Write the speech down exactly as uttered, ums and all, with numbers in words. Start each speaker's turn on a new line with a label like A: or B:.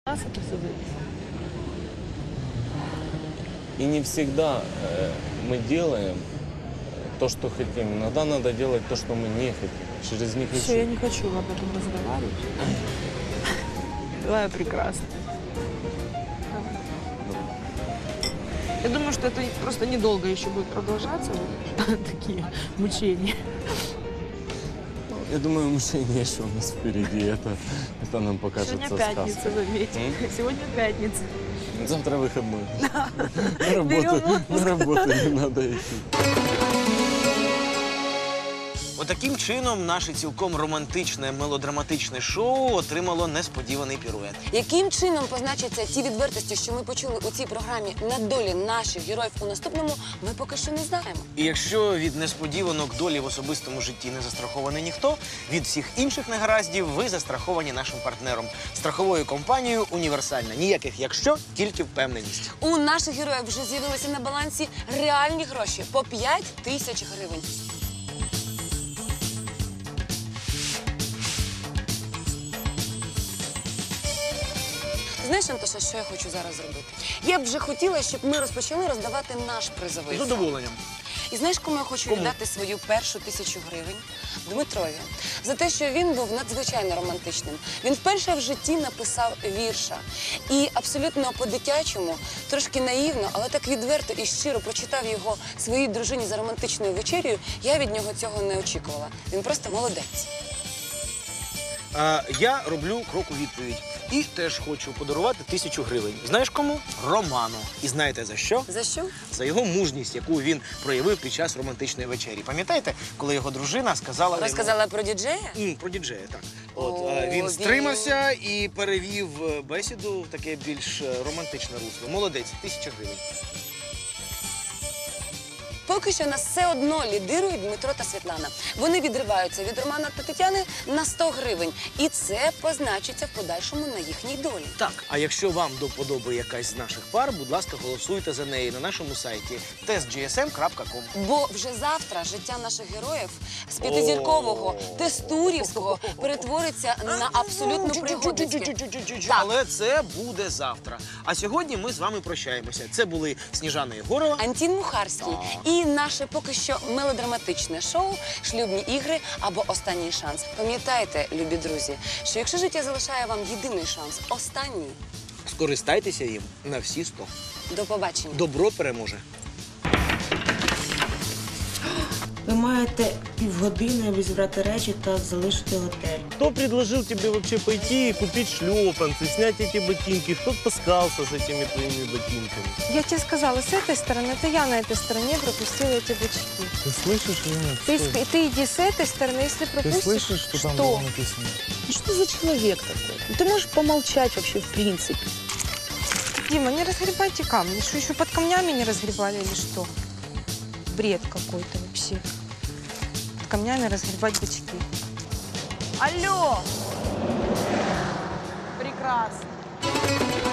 A: Нас это все зависит.
B: И не всегда э, мы делаем то, что хотим. Иногда надо делать то, что мы не хотим. Через не хочу.
A: Все, я не хочу об этом разговаривать. Давай прекрасно. Я думаю, что это просто недолго еще будет продолжаться, вот такие мучения.
B: Я думаю, мучение еще у нас впереди. Это, это нам покажется
A: Сегодня пятница,
B: сказкой.
A: заметьте.
B: М?
A: Сегодня пятница.
B: Завтра выходной. На работу, на работу не надо идти.
C: Отаким чином наше цілком романтичне, мелодраматичне шоу отримало несподіваний пірует.
D: Яким чином позначаться ті відвертості, що ми почули у цій програмі на долі наших героїв у наступному, ми поки що не знаємо.
C: І якщо від несподіванок долі в особистому житті не застрахований ніхто, від всіх інших негараздів ви застраховані нашим партнером. Страховою компанією «Універсальна». Ніяких «якщо», тільки впевненість.
D: У наших героїв вже з'явилися на балансі реальні гроші по п'ять тисяч гривень. Знаєш, Антоша, що я хочу зараз зробити? Я б вже хотіла, щоб ми розпочали роздавати наш призовий
C: З
D: фонд.
C: задоволенням.
D: І знаєш, кому я хочу
C: Кому?
D: віддати свою першу тисячу гривень? Дмитрові. За те, що він був надзвичайно романтичним. Він вперше в житті написав вірша. І абсолютно по-дитячому, трошки наївно, але так відверто і щиро прочитав його своїй дружині за романтичною вечерею. Я від нього цього не очікувала. Він просто молодець.
C: А, я роблю крок у відповідь. І теж хочу подарувати тисячу гривень. Знаєш кому? Роману. І знаєте за що?
D: За що?
C: За його мужність, яку він проявив під час романтичної вечері. Пам'ятаєте, коли його дружина сказала...
D: Розказала про діджея?
C: Йому... Про діджея, так. От,
D: О,
C: а, він
D: він-
C: стримався і перевів е, бесіду в таке більш е, романтичне русло. Молодець, тисяча гривень.
D: Поки що нас все одно лідирують Дмитро та Світлана. Вони відриваються від Романа та Тетяни на сто гривень. І це позначиться в подальшому на їхній долі.
C: Так, а якщо вам до вподоби якась з наших пар, будь ласка, голосуйте за неї на нашому сайті тест джі ес ем крапка ком.
D: Бо вже завтра життя наших героїв з п'ятизіркового, тестурівського перетвориться на абсолютно пригодницьке. Так.
C: Але це буде завтра. А сьогодні ми з вами прощаємося. Це були Сніжана Єгорова.
D: Антін Мухарський і наше поки що мелодраматичне шоу «Шлюбні ігри» або «Останній шанс». Пам'ятайте, любі друзі, що якщо життя залишає вам єдиний шанс, останній,
C: Скористайтеся їм на всі сто.
D: до побачення.
C: Добро переможе.
E: Ви маєте півгодини, аби зібрати речі та залишити готель.
F: Кто предложил тебе вообще пойти и купить шлепанцы, снять эти ботинки? Кто таскался с этими твоими ботинками?
A: Я тебе сказала, с этой стороны, это я на этой стороне пропустила эти бычки.
F: Ты слышишь меня?
A: Ты, ск- ты иди с этой стороны, если
F: Ты
A: пропустишь.
F: слышишь, что там
A: Что?
F: было написано?
G: Ну что за человек такой? Ну, ты можешь помолчать вообще в принципе.
A: Дима, не разгребайте камни. Что, еще под камнями не разгребали или что? Бред какой-то вообще. Под камнями разгребать бычки. Алло! Прекрасно.